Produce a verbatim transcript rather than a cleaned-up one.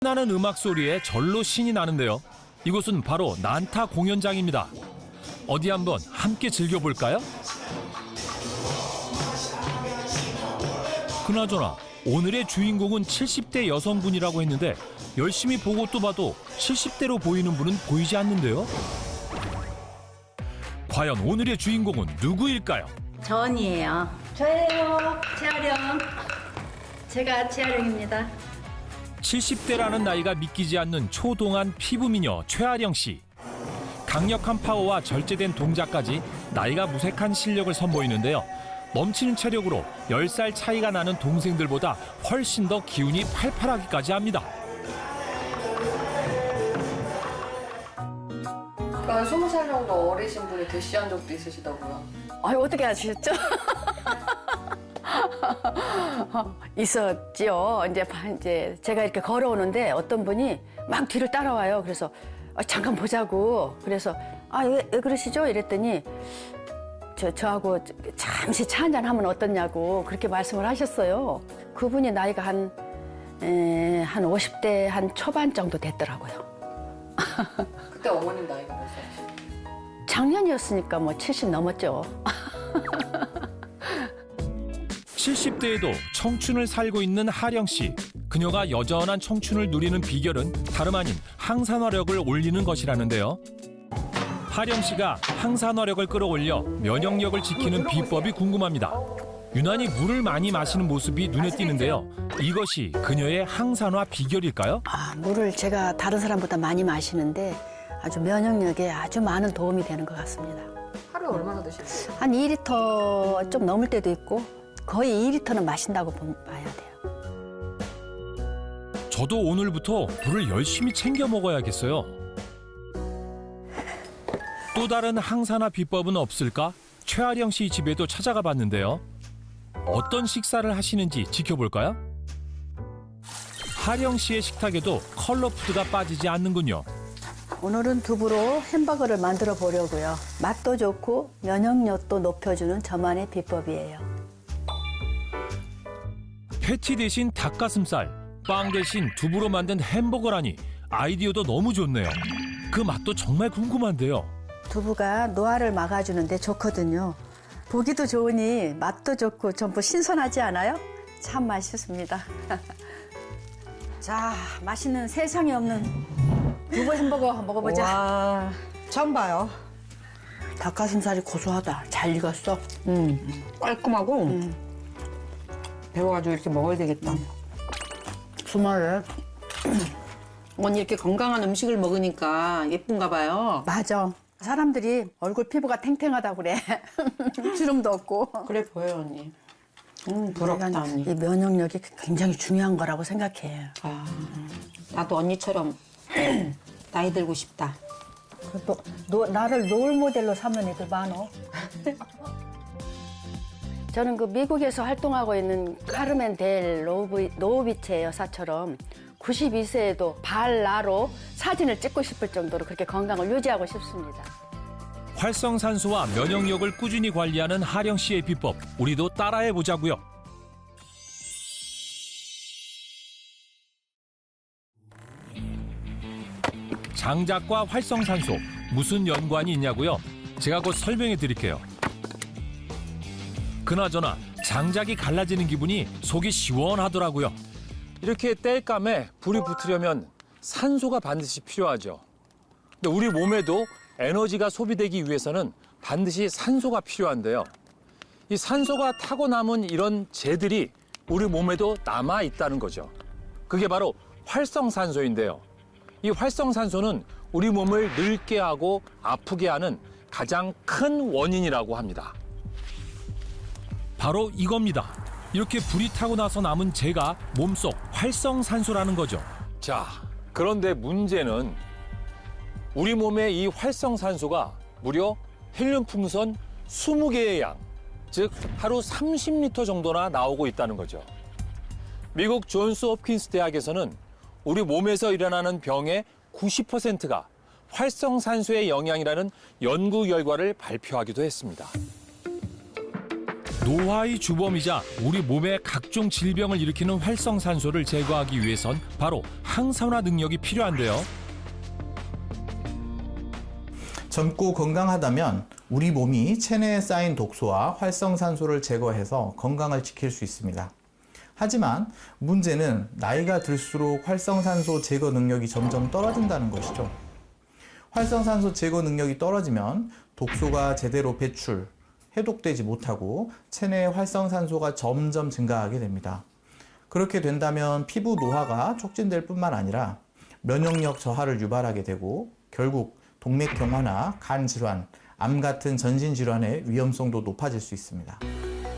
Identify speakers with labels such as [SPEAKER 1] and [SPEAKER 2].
[SPEAKER 1] 나는 음악 소리에 절로 신이 나는데요. 이곳은 바로 난타 공연장입니다. 어디 한번 함께 즐겨볼까요? 그나저나 오늘의 주인공은 칠십 대 여성분이라고 했는데 열심히 보고 또 봐도 칠십 대로 보이는 분은 보이지 않는데요. 과연 오늘의 주인공은 누구일까요?
[SPEAKER 2] 전이에요. 저예요. 재활용. 제가 재활용입니다.
[SPEAKER 1] 칠십 대라는 나이가 믿기지 않는 초동안 피부미녀 최아령 씨. 강력한 파워와 절제된 동작까지 나이가 무색한 실력을 선보이는데요. 넘치는 체력으로 열 살 차이가 나는 동생들보다 훨씬 더 기운이 팔팔하기까지 합니다.
[SPEAKER 3] 한 스무 살 정도 어리신 분이 대시한 적도 있으시다고요?
[SPEAKER 2] 아유, 어떻게 아셨죠? 있었지요. 이제, 이제 제가 이렇게 걸어오는데 어떤 분이 막 뒤를 따라와요. 그래서 아, 잠깐 보자고. 그래서 아, 왜, 왜 그러시죠? 이랬더니 저, 저하고 잠시 차 한잔 하면 어떻냐고 그렇게 말씀을 하셨어요. 그분이 나이가 한, 에, 한 오십 대 한 초반 정도 됐더라고요.
[SPEAKER 3] 그때 어머님 나이가 몇 살이세요?
[SPEAKER 2] 작년이었으니까 뭐 칠십 넘었죠.
[SPEAKER 1] 칠십 대에도 청춘을 살고 있는 하령 씨. 그녀가 여전한 청춘을 누리는 비결은 다름 아닌 항산화력을 올리는 것이라는데요. 하령 씨가 항산화력을 끌어올려 면역력을 지키는 비법이 궁금합니다. 유난히 물을 많이 마시는 모습이 눈에 띄는데요. 이것이 그녀의 항산화 비결일까요?
[SPEAKER 2] 아, 물을 제가 다른 사람보다 많이 마시는데 아주 면역력에 아주 많은 도움이 되는 것 같습니다.
[SPEAKER 3] 하루에 얼마나 드시세요?
[SPEAKER 2] 한 이 리터 좀 넘을 때도 있고 거의 이 리터는 마신다고 봐야 돼요.
[SPEAKER 1] 저도 오늘부터 물을 열심히 챙겨 먹어야겠어요. 또 다른 항산화 비법은 없을까? 최아령 씨 집에도 찾아가 봤는데요. 어떤 식사를 하시는지 지켜볼까요? 하령 씨의 식탁에도 컬러푸드가 빠지지 않는군요.
[SPEAKER 2] 오늘은 두부로 햄버거를 만들어 보려고요. 맛도 좋고 면역력도 높여주는 저만의 비법이에요.
[SPEAKER 1] 패티 대신 닭가슴살, 빵 대신 두부로 만든 햄버거라니 아이디어도 너무 좋네요. 그 맛도 정말 궁금한데요.
[SPEAKER 2] 두부가 노화를 막아주는데 좋거든요. 보기도 좋으니 맛도 좋고 전부 신선하지 않아요? 참 맛있습니다. 자, 맛있는 세상에 없는 두부 햄버거 먹어보자.
[SPEAKER 4] 와, 처음 봐요.
[SPEAKER 2] 닭가슴살이 고소하다. 잘 익었어.
[SPEAKER 4] 음, 깔끔하고
[SPEAKER 2] 음.
[SPEAKER 4] 배워가지고 이렇게 먹어야 되겠다.
[SPEAKER 2] 주말에.
[SPEAKER 4] 언니 이렇게 건강한 음식을 먹으니까 예쁜가 봐요.
[SPEAKER 2] 맞아. 사람들이 얼굴 피부가 탱탱하다고 그래. 주름도 없고.
[SPEAKER 4] 그래 보여요, 언니. 음, 부럽다,
[SPEAKER 2] 내가
[SPEAKER 4] 언니.
[SPEAKER 2] 이 면역력이 굉장히 중요한 거라고 생각해.
[SPEAKER 4] 아, 나도 언니처럼 나이 들고 싶다.
[SPEAKER 2] 너, 너, 나를 롤 모델로 삼는 애들 많어. 저는 그 미국에서 활동하고 있는 카르멘 델 노비, 노비체 여사처럼 구십이 세에도 발라로 사진을 찍고 싶을 정도로 그렇게 건강을 유지하고 싶습니다.
[SPEAKER 1] 활성산소와 면역력을 꾸준히 관리하는 하령 씨의 비법, 우리도 따라해 보자고요. 장작과 활성산소 무슨 연관이 있냐고요? 제가 곧 설명해 드릴게요. 그나저나 장작이 갈라지는 기분이 속이 시원하더라고요. 이렇게 땔감에 불이 붙으려면 산소가 반드시 필요하죠. 근데 우리 몸에도 에너지가 소비되기 위해서는 반드시 산소가 필요한데요. 이 산소가 타고 남은 이런 재들이 우리 몸에도 남아 있다는 거죠. 그게 바로 활성산소인데요. 이 활성산소는 우리 몸을 늙게 하고 아프게 하는 가장 큰 원인이라고 합니다. 바로 이겁니다. 이렇게 불이 타고 나서 남은 재가 몸속 활성산소라는 거죠. 자, 그런데 문제는 우리 몸의 이 활성산소가 무려 헬륨 풍선 이십 개의 양, 즉 하루 삼십 리터 정도나 나오고 있다는 거죠. 미국 존스 홉킨스 대학에서는 우리 몸에서 일어나는 병의 구십 퍼센트가 활성산소의 영향이라는 연구 결과를 발표하기도 했습니다. 노화의 주범이자 우리 몸에 각종 질병을 일으키는 활성산소를 제거하기 위해선 바로 항산화 능력이 필요한데요.
[SPEAKER 5] 젊고 건강하다면 우리 몸이 체내에 쌓인 독소와 활성산소를 제거해서 건강을 지킬 수 있습니다. 하지만 문제는 나이가 들수록 활성산소 제거 능력이 점점 떨어진다는 것이죠. 활성산소 제거 능력이 떨어지면 독소가 제대로 배출, 해독되지 못하고 체내의 활성산소가 점점 증가하게 됩니다. 그렇게 된다면 피부 노화가 촉진될 뿐만 아니라 면역력 저하를 유발하게 되고 결국 동맥경화나 간 질환, 암 같은 전신 질환의 위험성도 높아질 수 있습니다.